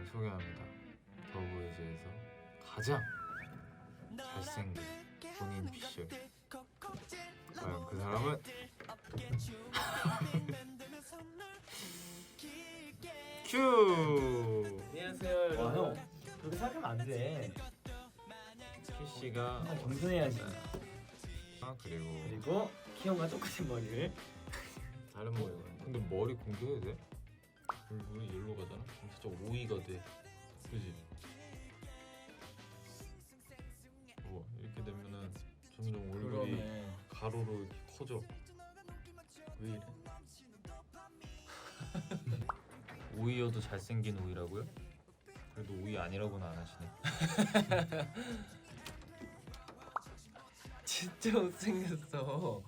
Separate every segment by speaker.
Speaker 1: 소개합니다. 더보이즈에서 가장 잘생긴 본인 피셜. 과연 그 사람은? 큐!
Speaker 2: 안녕하세요
Speaker 3: 와,
Speaker 2: 여러분.
Speaker 3: 형 그렇게 생각하면 안 돼.
Speaker 1: 큐씨가
Speaker 3: 항상 겸손해야지.
Speaker 1: 그리고
Speaker 3: 키형과 똑같은 머리를.
Speaker 1: 다른 머리가. 근데 머리 공개해도 돼?
Speaker 2: 얼굴이 일로 가잖아. 그럼 진짜 오이가 돼. 그지? 우와 이렇게 되면은 점점 얼굴이
Speaker 3: 그러네.
Speaker 2: 가로로 이렇게 커져. 왜 이래?
Speaker 1: 오이여도 잘생긴 오이라고요? 그래도 오이 아니라고는 안 하시네.
Speaker 2: 진짜 못생겼어.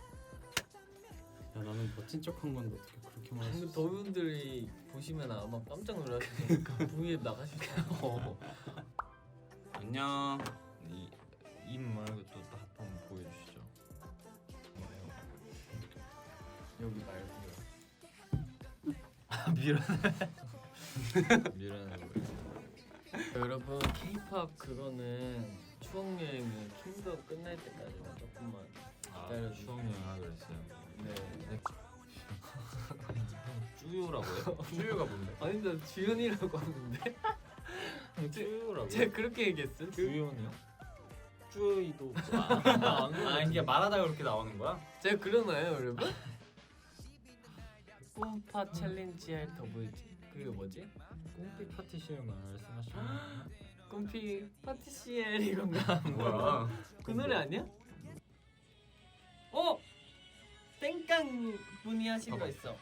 Speaker 4: 야 나는 멋진 척한 건데 어떻게 그렇게 말할 수
Speaker 2: 근데
Speaker 4: 있어?
Speaker 2: 더분들이 보시면 아마 깜짝 놀라시니까 부위에 나가실 거예요.
Speaker 4: 안녕.
Speaker 1: 입 말고 또 한번 보여주시죠.
Speaker 2: 여기 말고.
Speaker 1: 미련해 보여.
Speaker 2: 여러분 K-pop 그거는 추억 여행이 킹덤 끝날 때까지만 조금만 기다려주세요.
Speaker 1: 추억 여행 하기로 했어요.
Speaker 2: 네.
Speaker 1: 쭈요라고요?
Speaker 4: 쭈유가 뭔데?
Speaker 2: 아니 나 주연이라고 하는데.
Speaker 1: 쭈요라고?
Speaker 2: 제가 그렇게 얘기했어?
Speaker 1: 주연이요?
Speaker 2: 쭈이도
Speaker 4: 아 이게 말하다가 그렇게 나오는 거야?
Speaker 2: 제가 그러나요 여러분? 꿈파 챌린지 할 더보이즈 그게 뭐지?
Speaker 1: 꽁피 파티시를 말씀하시는
Speaker 2: 꿈피 파티시엘 이건가?
Speaker 4: 뭐야?
Speaker 2: 그 노래 아니야? 어! 땡깡 분이 하신 거 있어.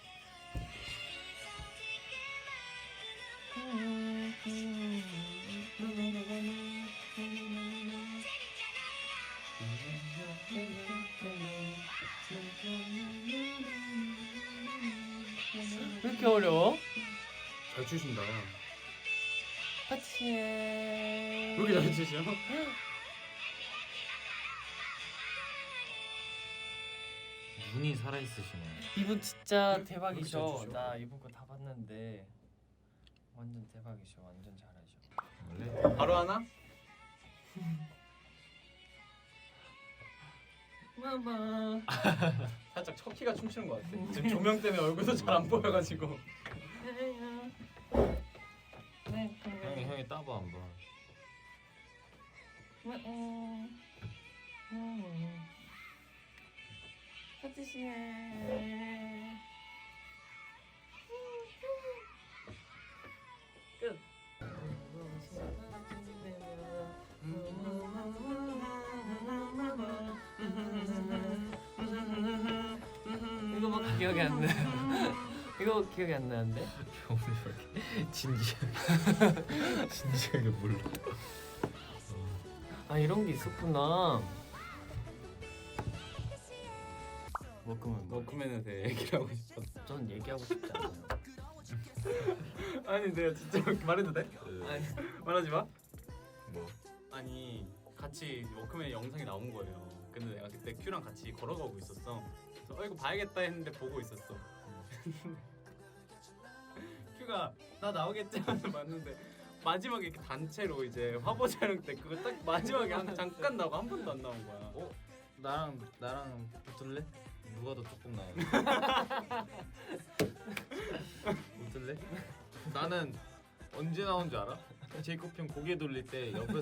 Speaker 2: 왜 이렇게 어려워?
Speaker 4: 잘 추신다.
Speaker 2: 파티시엘
Speaker 4: 왜 이렇게 잘 추셔?
Speaker 1: 눈이 살아있으시네.
Speaker 2: 이분 진짜
Speaker 4: 잘
Speaker 2: 대박이셔.
Speaker 4: 추셔?
Speaker 2: 나 이분 거 다 봤는데 완전 대박이셔. 완전 잘하셔.
Speaker 1: 원래
Speaker 4: 바로 하나?
Speaker 2: 마마.
Speaker 4: 살짝 척키가 춤추는 것 같아. 지금 조명 때문에 얼굴도 잘 안 보여가지고.
Speaker 1: 형이 따봐 한번.
Speaker 2: 파티시에 끝. 이거 막 기억이 안 나. 이거 기억이 안 나는데?
Speaker 1: 오늘 왜 이렇게 진지하게 몰라.
Speaker 2: 아 이런 게 있었구나. 워크맨
Speaker 4: 워크맨에 대해 얘기를 하고 싶었어.
Speaker 2: 전 얘기하고 싶지 않아요.
Speaker 4: 아니 내가 진짜 말해도 돼?
Speaker 2: 아니
Speaker 4: 말하지 마.
Speaker 1: 뭐?
Speaker 4: 아니 같이 워크맨 영상이 나온 거예요. 근데 내가 그때 큐랑 같이 걸어가고 있었어. 그래서 이거 봐야겠다 했는데 보고 있었어. 큐가 나 나오겠지 하면서 봤는데 마지막에 이렇게 단체로 이제 화보 촬영 때 그거 딱 마지막에 잠깐 나오고 한 번도 안 나온 거야.
Speaker 1: 어? 나랑 붙을래? 누가 더 조금 나아? 붙을래? 나는 언제 나온 줄 알아? 제이콥 형 고개 돌릴 때 옆에서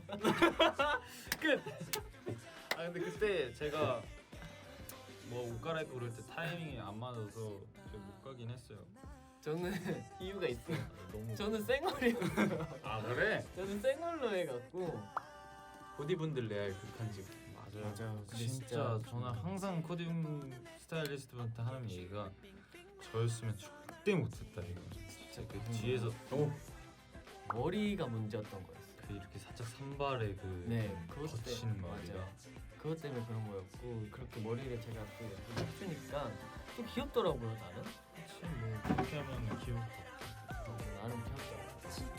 Speaker 1: 끝. 아 근데 그때 제가 뭐 옷 갈아입고 그럴 때 타이밍이 안 맞아서 제가 못 가긴 했어요.
Speaker 2: 저는 이유가 있어요.
Speaker 1: 너무.
Speaker 2: 저는 쌩얼이요.
Speaker 1: 아 그래?
Speaker 2: 저는 쌩얼로 해갖고
Speaker 4: 보디분들 레알 극한직.
Speaker 1: 맞아요.
Speaker 2: 근데
Speaker 1: 진짜
Speaker 2: 진짜
Speaker 1: 저는 항상 코디움 스타일리스트한테 하는 얘기가 저였으면 절대 못했다 이거. 진짜 그 뒤에서
Speaker 2: 머리가 문제였던 거였어요.
Speaker 1: 그 이렇게 살짝 산발에 그
Speaker 2: 네, 그것
Speaker 1: 거치는
Speaker 2: 때문에
Speaker 1: 머리가.
Speaker 2: 맞아요. 그것 때문에 그런 거였고 그렇게 머리를 제가 또 예쁘게 해주니까 좀 귀엽더라고요 나는.
Speaker 1: 그치 뭐 그렇게 하면 귀엽고.
Speaker 2: 나름 귀엽더라고요.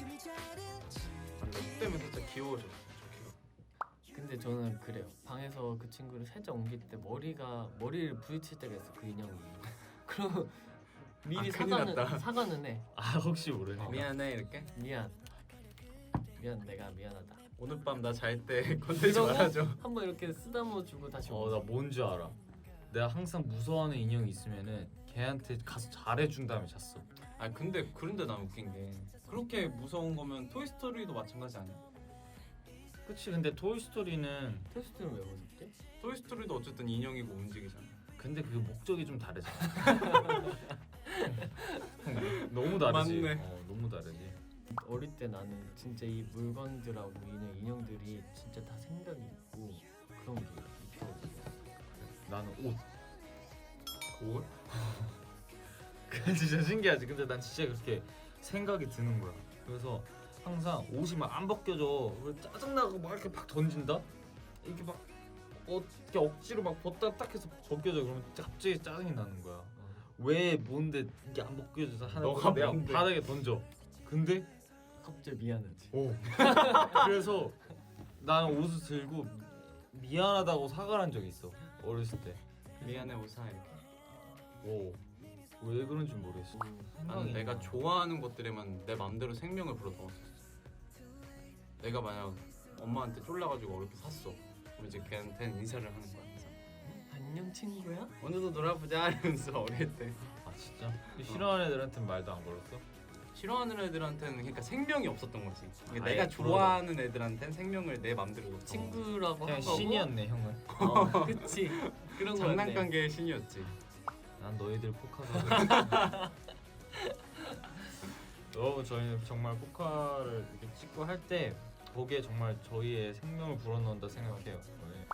Speaker 4: 너 때문에 살짝 귀여워졌어. 저 큐가.
Speaker 2: 근데 저는 그래요. 방에서 그 친구를 살짝 옮길 때 머리를 부딪힐 때가 있어 그 인형이. 그럼 미리
Speaker 4: 큰일 났다.
Speaker 2: 사과는 해.
Speaker 1: 아 혹시 모르니까.
Speaker 4: 미안해 이렇게.
Speaker 2: 미안 내가 미안하다.
Speaker 4: 오늘 밤 나 잘 때 건들지
Speaker 2: 그러고
Speaker 4: 말아줘.
Speaker 2: 한번 이렇게 쓰다모 주고 다시
Speaker 1: 나 뭔지 알아. 내가 항상 무서워하는 인형이 있으면은 걔한테 가서 잘해준 다음에 잤어.
Speaker 4: 아 근데 그런데 난 웃긴 게 그렇게 무서운 거면 토이스토리도 마찬가지 아니야?
Speaker 1: 그치. 근데 토이스토리는
Speaker 2: 테스트는 왜 무섭지?
Speaker 4: 토이스토리도 어쨌든 인형이고 움직이잖아.
Speaker 1: 근데 그 목적이 좀 다르잖아. 너무 다르지.
Speaker 4: 맞네.
Speaker 1: 너무 다르지.
Speaker 2: 어릴 때 나는 진짜 이 물건들하고 인형들이 진짜 다 생각이 있고 그런 게 있거든.
Speaker 1: 나는 옷.
Speaker 4: 옷?
Speaker 1: 그게 진짜 신기하지. 근데 난 진짜 그렇게 생각이 드는 거야. 그래서 항상 옷이 막 안 벗겨져. 그래서 짜증나고 막 이렇게 막 던진다. 이렇게 막 이렇게 억지로 막 벗다 딱 해서 벗겨져. 그러면 갑자기 짜증이 나는 거야. 왜 뭔데 이게 안 벗겨져서 하는
Speaker 4: 너가
Speaker 1: 내가
Speaker 4: 뭔데?
Speaker 1: 바닥에 던져. 근데
Speaker 2: 갑자기 미안하지.
Speaker 1: 그래서 나는 옷을 들고 미안하다고 사과를 한 적이 있어. 어렸을 때.
Speaker 4: 미안해 오사 이렇게.
Speaker 1: 왜 그런지 모르겠어.
Speaker 4: 나는 내가 좋아하는 것들에만 내 맘대로 생명을 불어 넣었었어. 내가 만약 엄마한테 쫄라가지고 어렵게 샀어. 그럼 이제 걔한테는 인사를 하는 거야. 항상.
Speaker 2: 안녕 친구야?
Speaker 4: 오늘도 놀아보자 이러면서 어릴 때.
Speaker 1: 아 진짜? 싫어하는 애들한테는 말도 안 걸었어?
Speaker 4: 싫어하는 애들한테는 그러니까 생명이 없었던 거지. 그러니까
Speaker 1: 아예
Speaker 4: 내가 좋아하는 애들한테는 생명을 내 맘대로 넣었어.
Speaker 2: 친구라고
Speaker 1: 그냥
Speaker 2: 한 거고.
Speaker 1: 신이었네 형은.
Speaker 2: 그치. 그런 거
Speaker 4: 장난감계의 신이었지.
Speaker 1: 난 너희들 포카가. 여러분 저희는 정말 포카를 이렇게 찍고 할 때 거기에 정말 저희의 생명을 불어넣는다 생각해요. 네.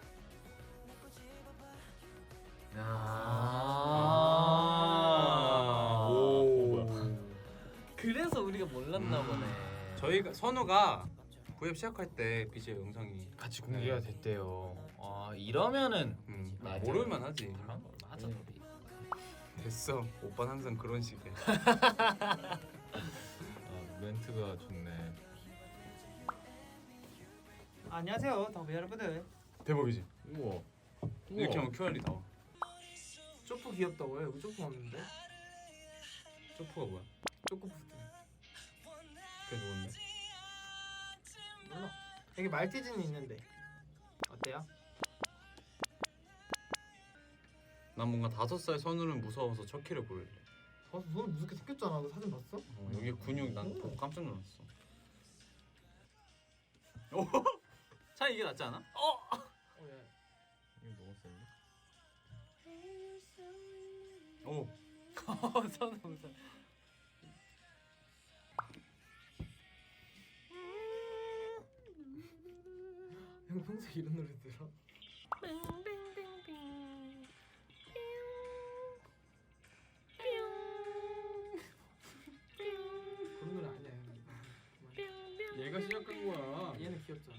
Speaker 4: 오.
Speaker 2: 그래서 우리가 몰랐나 보네.
Speaker 4: 저희가 선우가 구앱 시작할 때 BJ 영상이
Speaker 1: 같이 공개가 됐대요. 아 이러면은
Speaker 2: 맞아.
Speaker 4: 모를만 하지.
Speaker 1: 맞아.
Speaker 2: 네.
Speaker 4: 됐어. 오빠는 항상 그런 식이야.
Speaker 1: 멘트가 좋네.
Speaker 5: 안녕하세요, 더비 여러분들.
Speaker 4: 대박이지.
Speaker 1: 우와.
Speaker 4: 이렇게 하면 QR이 나와.
Speaker 5: 쪼프 귀엽다고요? 여기 쪼프 없는데?
Speaker 4: 쪼프가 뭐야?
Speaker 5: 쪼프푸드.
Speaker 4: 그게 누군데?
Speaker 5: 몰라. 여기 말티즈는 있는데. 어때요?
Speaker 4: 난 뭔가 5살 선우는 무서워서 척키를 고를래.
Speaker 5: 손 무섭게 생겼잖아. 그 사진 봤어?
Speaker 4: 여기 근육 난 보고 깜짝 놀랐어. 오! 차 이게 낫지 않아?
Speaker 5: 예.
Speaker 1: 이거 너무 센데?
Speaker 4: 오!
Speaker 2: 선우 웃어.
Speaker 5: 형 평소에 이런 노래 들어? 그런 노래 아니야. 형.
Speaker 4: 얘가 시작한 거야.
Speaker 5: 얘는 귀엽잖아.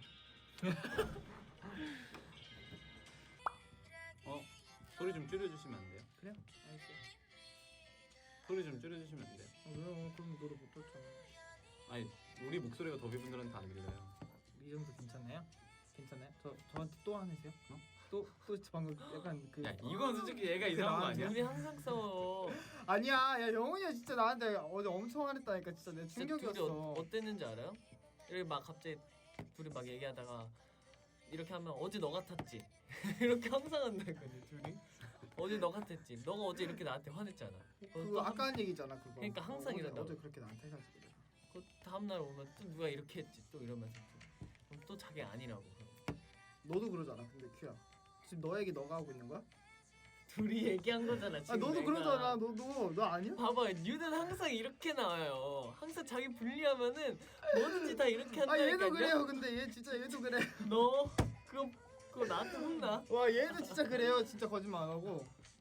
Speaker 4: 소리 좀 줄여주시면 안 돼요?
Speaker 5: 그래? 알겠어.
Speaker 4: 소리 좀 줄여주시면 안 돼요?
Speaker 5: 왜요? 그럼 노래 못 듣잖아.
Speaker 4: 아니 우리 목소리가 더비분들한테 안 들려요.
Speaker 5: 이 정도 괜찮나요? 괜찮아요? 저한테 또 화내세요? 또 방금 약간 그
Speaker 4: 야 이건 솔직히 얘가 이상한 거 아니야?
Speaker 2: 우리 항상 싸워.
Speaker 5: 아니야, 야 영훈이가 진짜 나한테 어제 엄청 화냈다니까. 진짜 내
Speaker 2: 진짜 둘이
Speaker 5: 충격이었어.
Speaker 2: 어땠는지 알아요? 이렇게 막 갑자기 둘이 막 얘기하다가 이렇게 하면 어제 너 같았지. 이렇게 항상 한다거든 둘이. 어제 너 같았지. 너가 어제 이렇게 나한테 화냈잖아.
Speaker 5: 그거 아까 한 얘기잖아 그거.
Speaker 2: 그러니까 항상 이런다고.
Speaker 5: 어제 그렇게 나한테 해가지고 내가.
Speaker 2: 그 다음 날 오면 또 누가 이렇게 했지 또 이러면서 그럼 또 자기 아니라고.
Speaker 5: 너도 그러잖아. 근데 큐야. 지금 너 얘기 너가 하고 있는 거야?
Speaker 2: 둘이 얘기한 거잖아 지금.
Speaker 5: 아 너도
Speaker 2: 내가.
Speaker 5: 그러잖아. 너 아니야?
Speaker 2: 봐봐, 뉴는 항상 이렇게 나와요. 항상 자기 분리하면은 뭐든지 다 이렇게
Speaker 5: 아 얘도
Speaker 2: 한다니까요.
Speaker 5: 그래요. 근데 얘 진짜 얘도 그래.
Speaker 2: 너 그거 나한테 혼나.
Speaker 5: 와 얘도 진짜 그래요. 진짜 거짓말 안 하고.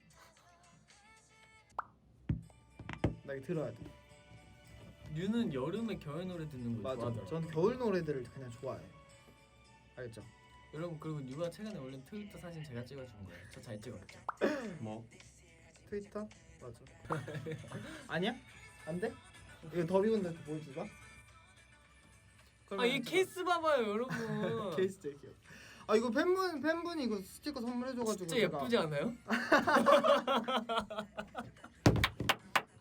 Speaker 5: 나 이거 들어야 돼.
Speaker 2: 뉴는 여름에 겨울 노래 듣는 거
Speaker 5: 맞아.
Speaker 2: 좋아하더라.
Speaker 5: 전 겨울 노래들을 그냥 좋아해요. 알겠죠?
Speaker 2: 여러분 그리고 뉴가 최근에 올린 트위터 사진 제가 찍어준 거예요. 저 잘 찍었죠.
Speaker 4: 뭐?
Speaker 5: 트위터? 맞아. 아니야? 안 돼? 이거 더비군들 보여주자.
Speaker 2: 아 이 케이스 봐봐요 여러분.
Speaker 5: 케이스 제일 귀여워. 아 이거 팬분이 이거 스티커 선물해줘가지고
Speaker 2: 진짜 예쁘지 않아요?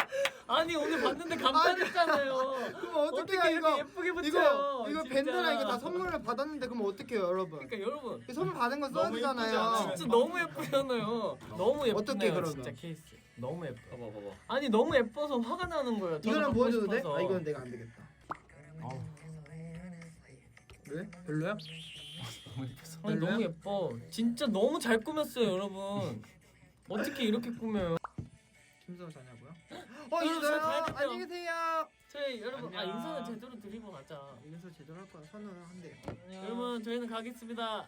Speaker 2: 아니 오늘 봤는데 감탄했잖아요.
Speaker 5: 그럼 어떻게
Speaker 2: 어떻게
Speaker 5: 해요
Speaker 2: 이렇게
Speaker 5: 이거?
Speaker 2: 예쁘게 붙여요?
Speaker 5: 이거
Speaker 2: 진짜.
Speaker 5: 밴드랑 이거 다 선물을 받았는데 그럼 어떡해요 여러분?
Speaker 2: 그러니까 여러분
Speaker 5: 이 선물 받은 거 써야
Speaker 1: 너무 예쁘지
Speaker 5: 되잖아요.
Speaker 1: 않아요?
Speaker 2: 진짜 너무 예쁘잖아요. 너무 예쁘네요.
Speaker 5: 어떻게 그러면?
Speaker 2: 진짜 케이스. 너무 예뻐.
Speaker 1: 봐봐 봐봐.
Speaker 2: 아니 너무 예뻐서 화가 나는 거예요. 저도
Speaker 5: 이거는
Speaker 2: 갖고
Speaker 5: 보여줘도 돼?
Speaker 2: 싶어서.
Speaker 5: 아 이건 내가 안 되겠다. 왜? 별로야?
Speaker 2: 아니 너무 예뻐. 진짜 너무 잘 꾸몄어요, 여러분. 어떻게 이렇게 꾸며요?
Speaker 5: 김선우 자냐고요?
Speaker 2: 여러분, 저 가야
Speaker 5: 있어요.
Speaker 2: 돼요.
Speaker 5: 안녕히 계세요.
Speaker 2: 저희 여러분
Speaker 1: 안녕.
Speaker 2: 인사는 제대로 드리고 가자.
Speaker 5: 이래서 제대로 할 거야. 선우는 한대요.
Speaker 2: 여러분 저희는 가겠습니다.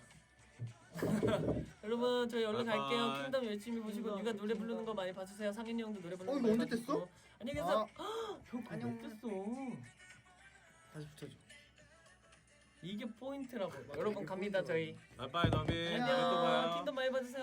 Speaker 2: 여러분 저희 얼른
Speaker 1: 바이바이.
Speaker 2: 갈게요. 킹덤 열심히 보시고 누가 노래 부르는 거 많이 봐주세요. 상현이 형도 노래 부르는 거
Speaker 5: 이거
Speaker 2: 많이
Speaker 5: 언제
Speaker 2: 봐주시고.
Speaker 5: 뗐어?
Speaker 2: 안녕히 계세요. 형
Speaker 5: 안녕.
Speaker 2: 안녕 뗐어.
Speaker 5: 다시 붙여줘.
Speaker 2: 이게 포인트라고. 여러분 갑니다 저희.
Speaker 1: 바이바이 더비.
Speaker 5: 안녕.
Speaker 1: 또 봐요.
Speaker 2: 킹덤 많이 봐주세요.